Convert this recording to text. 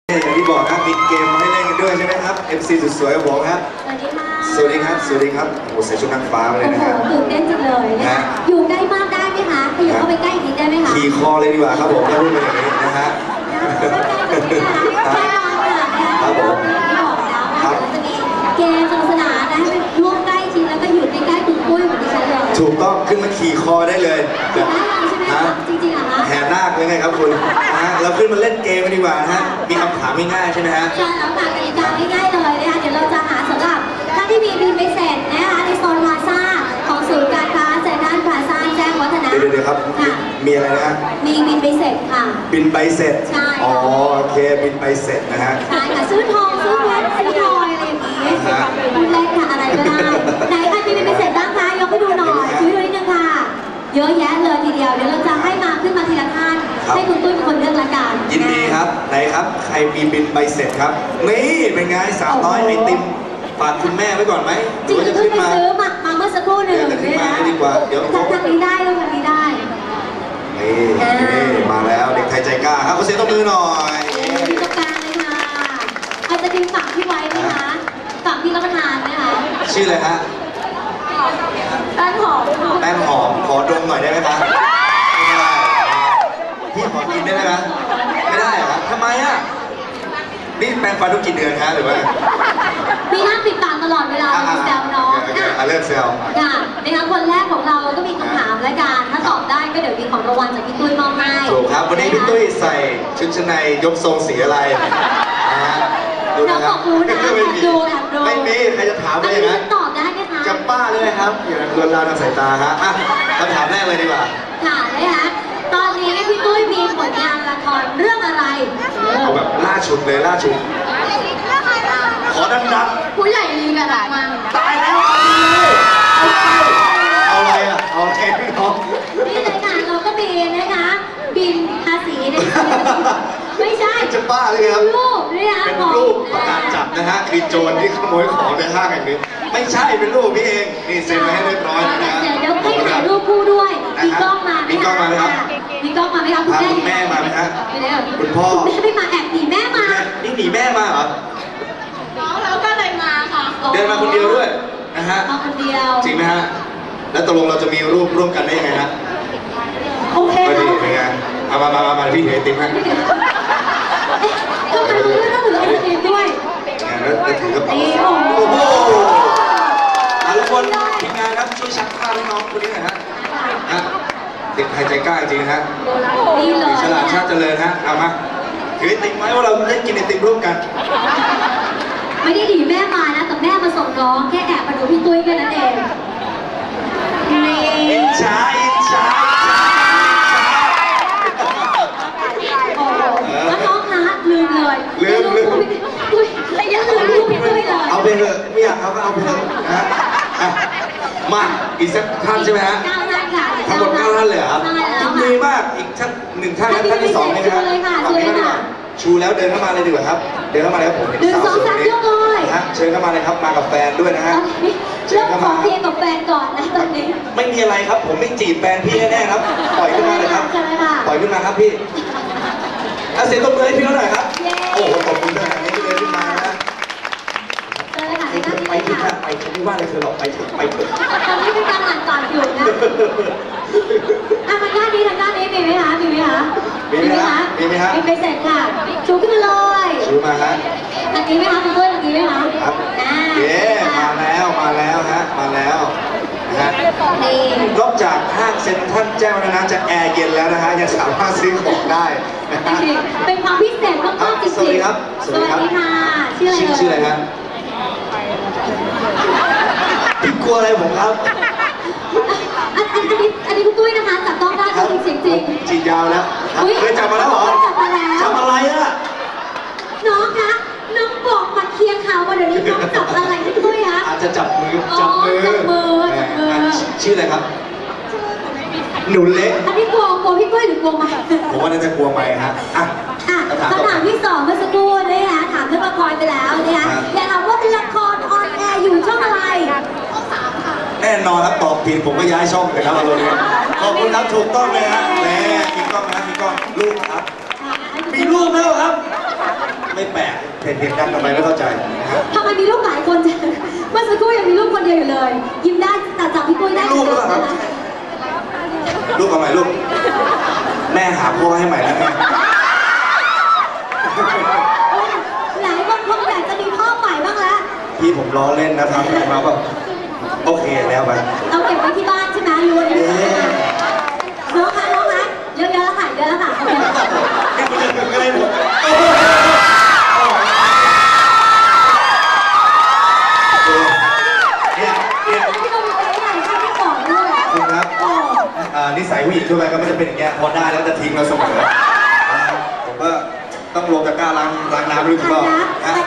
อย่างที่บอกนะมีเกมมาให้เล่นกันด้วยใช่ไหมครับ MC สุดสวยกับผมครับสวัสดีครับสวัสดีครับโอ้ใส่ชุดนางฟ้ามาเลยนะครับตื่นเต้นจังเลยนะอยู่ใกล้มากได้ไหมคะขยับเข้าไปใกล้อีกนิดได้ไหมคะขี่คอเลยดีกว่าครับผมถ้าพูดเป็นอย่างนี้นะฮะครับผมที่บอกแล้วว่าจะมีเกมสนุกสนานนะให้ร่วมใกล้ชิดแล้วก็อยู่ใกล้ๆคุณปุ้ยเหมือนดิฉันเลยถูกต้องขึ้นมาขี่คอได้เลยได้ใช่ไหมคะจริงๆเหรอคะแห่นาคเลยไงครับคุณนะเราขึ้นมาเล่นเกมกันดีกว่านะฮะมีคำถามง่ายๆใช่ไหมฮะใช่แล้วค่ะกติกาง่ายๆเลยนะคะเดี๋ยวเราจะหาสำหรับท่านที่มีบินไม่เสร็จนะคะในโซนพลาซ่าของศูนย์การค้าเซ็นทรัลพลาซ่าแจ้งวัฒนะเดี๋ยวครับมีอะไรนะฮะมีบินใบเสร็จค่ะบินใบเสร็จใช่อ๋อโอเคบินใบเสร็จนะฮะใช่ค่ะซื้อทองซื้อเพชรซื้อพลอยอะไรอย่างนี้พูดเล่นค่ะอะไรก็ได้ไหนใครมีบินใบเสร็จบ้างคะยกให้ดูหน่อยช่วยดูนิดนึงค่ะเยอะแยะเลยทีเดียวเดี๋ยวเราจะให้มาขึ้นมาทีละท่านให้คุณตุ้ยเป็นคนเลือกละกันยินดีครับไหนครับใครมีบินใบเสร็จครับนี่เป็นไง300ไอติมฝากคุณแม่ไว้ก่อนไหมจริงๆเพิ่งไปซื้อมาเมื่อสักครู่หนึ่งขึ้นมาดีกว่าเดี๋ยวทางนี้ได้ลูกทางนี้ได้นี่มาแล้วเด็กไทยใจกล้าครับขอเสียงตบมือหน่อยที่ตรงกลางเลยค่ะอาจจะดึงฝั่งที่ไว้ไหมคะฝั่งที่รับประทานไหมคะชื่ออะไรฮะแป้งหอมแป้งหอมขอดมหน่อยได้ไหมคะพี่ขอกินได้ไหมคะไม่ได้เหรอทำไมอ่ะนี่แปรงฟันทุกกี่เดือนฮะหรือว่ามีห้ามปิดปากตลอดเวลามีแซวน้องเลิกแซวค่ะนะคะคนแรกของเราก็มีคำถามและการถ้าตอบได้ก็เดี๋ยวมีของรางวัลจากพี่ตุ้ยมอบให้ถูกครับวันนี้พี่ตุ้ยใส่ชุดชั้นในยกทรงสีอะไรนะฮะดูนะครับไม่มีใครจะถามอะไรอย่างนั้นตอบได้ไหมคะจะป้าเลยครับอย่าลวนลามทางสายตาฮะคำถามแรกเลยดีกว่าค่ะนะคะตอนนี้พี่ตุ้ยมีผลงานละครเรื่องอะไรเอาแบบล่าชุดเลยล่าชุดขอดังๆผู้ใหญ่ลีกันมาตายแล้วเอาอะไรอ่ะเอาแค่พี่น้องนี่เลยค่ะเราก็มีนะคะบินภาษีในไม่ใช่จะบ้าเลยครับรูปนี่นะเป็นรูปประกาศจับนะฮะคือโจรที่ขโมยของในห้างแห่งนี้ไม่ใช่เป็นรูปพี่เองนี่เซ็นมาให้เรียบร้อยนะเดี๋ยวให้ถ่ายรูปคู่ด้วยมีกล้องมาไหมคะมีกล้องมาไหมครับมีกล้องมาไหมครับคุณแม่มาไหมฮะคุณพ่อแม่ไม่มาแอบหนีแม่มานี่หนีแม่มาเหรอแล้วก็เลยมาค่ะเดินมาคนเดียวด้วยนะฮะมาคนเดียวจริงไหมฮะแล้วตกลงเราจะมีรูปร่วมกันได้ยังไงฮะโอเคก็ดีเป็นไงมาพี่ถือไอติมให้ทำไมคุณไม่ต้องถือไอติมด้วยแล้วถือกระเป๋าโอ้โหทุกคนทีมงานครับช่วยชักผ้าให้น้องคนนี้หน่อยฮะเด็กไทยใจกล้าจริงฮะดีเลยฉลาดชาติเจริญฮะเอามาถือไอติมไว้ว่าเราได้กินไอติมร่วมกันไม่ได้ดีแม่มานะแต่แม่มาส่งน้องแค่แอบมาดูพี่ตุ้ยแค่นั้นเองอิจฉาแล้วน้องคะลืมเลยลืมอุ้ยยังลืมรูปพี่ตุ้ยเลยเอาไปเถอะไม่อยากเอาก็เอาไปเถอะนะมาอีกสักท่านใช่ไหมฮะ 9 ท่านค่ะทั้งหมด9 ท่านเลยครับยินดีมากอีกท่าน1 ท่านท่านที่2นี่นะครับชูแล้วเดินเข้ามาเลยดีกว่าครับเดินเข้ามาเลยครับผม 1 2 3ยกเลยเชิญเข้ามาเลยครับมากับแฟนด้วยนะฮะเริ่มขอเคลียร์กับแฟนก่อนนะตอนนี้ไม่มีอะไรครับผมไม่จีบแฟนพี่แน่ๆครับปล่อยขึ้นมาเลยครับปล่อยขึ้นมาครับพี่เสียงตบมือให้พี่เขาหน่อยครับโอ้โหตบมือขนาดนี้พี่เลยขึ้นมานะไปที่ค่ะไปฉันไม่ว่าอะไรเธอหรอกไปเถอะตอนนี้เป็นการอ่านก่อนอยู่นะทางด้านนี้มีไหมคะมีไหมคะมีไปเสร็จค่ะชูขึ้นมาเลยชูมาฮะอันนี้ไหมคะคุณด้วยอันนี้ไหมคะครับเย้มาแล้วฮะมาแล้วนะนอกจากห้างเซ็นทรัลแจ้วนะจะแอร์เย็นแล้วนะฮะยังสามารถซื้อของได้เป็นความพิเศษมากๆจริงๆสวัสดีครับสวัสดีค่ะชื่ออะไรครับพี่กลัวอะไรผมครับอันนี้คุณตุ้ยนะคะจับต้องได้จริงจีบยาวแล้วเคยจับมาแล้วเหรอจับอะไรอะน้องคะน้องบอกมาเคลียร์ข่าวมาเดี๋ยวนี้น้องจับอะไรพี่ตุ้ยคะอาจจะจับมือชื่ออะไรครับหนูเล็กอันนี้กลัวพี่ตุ้ยหรือกลัวไหมผมว่าน่าจะกลัวไหมฮะคำถามที่2เมื่อสักครู่นะคะถามเรื่องละครไปแล้วนะคะอยากถามว่าเป็นละครออนแอร์อยู่ช่องอะไรช่อง3ค่ะแน่นอนครับตอบผิดผมก็ย้ายช่องเลยครับอารมณ์นี้ขอบคุณครับถูกต้องเลยฮะแหมมีกล้องนะมีกล้องลูกครับมีลูกแล้วครับไม่แปลกเห็นกันทำไมไม่เข้าใจนะฮะทำไมมีลูกหลายคนจังเมื่อสักครู่ยังมีลูกคนเดียวอยู่เลย ยิ้มได้แต่จับพี่ปุ้ยได้ลูกหรือเปล่าครับนะคะลูกเอาใหม่ลูก แม่หาพ่อให้ใหม่แล้วไงหลายคนคงอยากจะมีพ่อใหม่บ้างแล้วพี่ผมล้อเล่นนะครับมาแบบโอเคแล้วไปเอาเก็บไว้ที่บ้านใช่ไหมรู้เลยน้องคะน้องคะเยอะๆแล้วค่ะเยอะแล้วค่ะโอเคนี่คุณจะถึงอะไรหมดเนี่ยพี่ต้องมีใจใหญ่ให้พี่ก่อนด้วยคุณครับโอ้นิสัยผู้หญิงทั่วไปก็ไม่ได้เป็นอย่างเงี้ยพอได้แล้วจะทิ้งเราเสมอผมก็ต้องลงตะกร้าล้างน้ำหรือเปล่า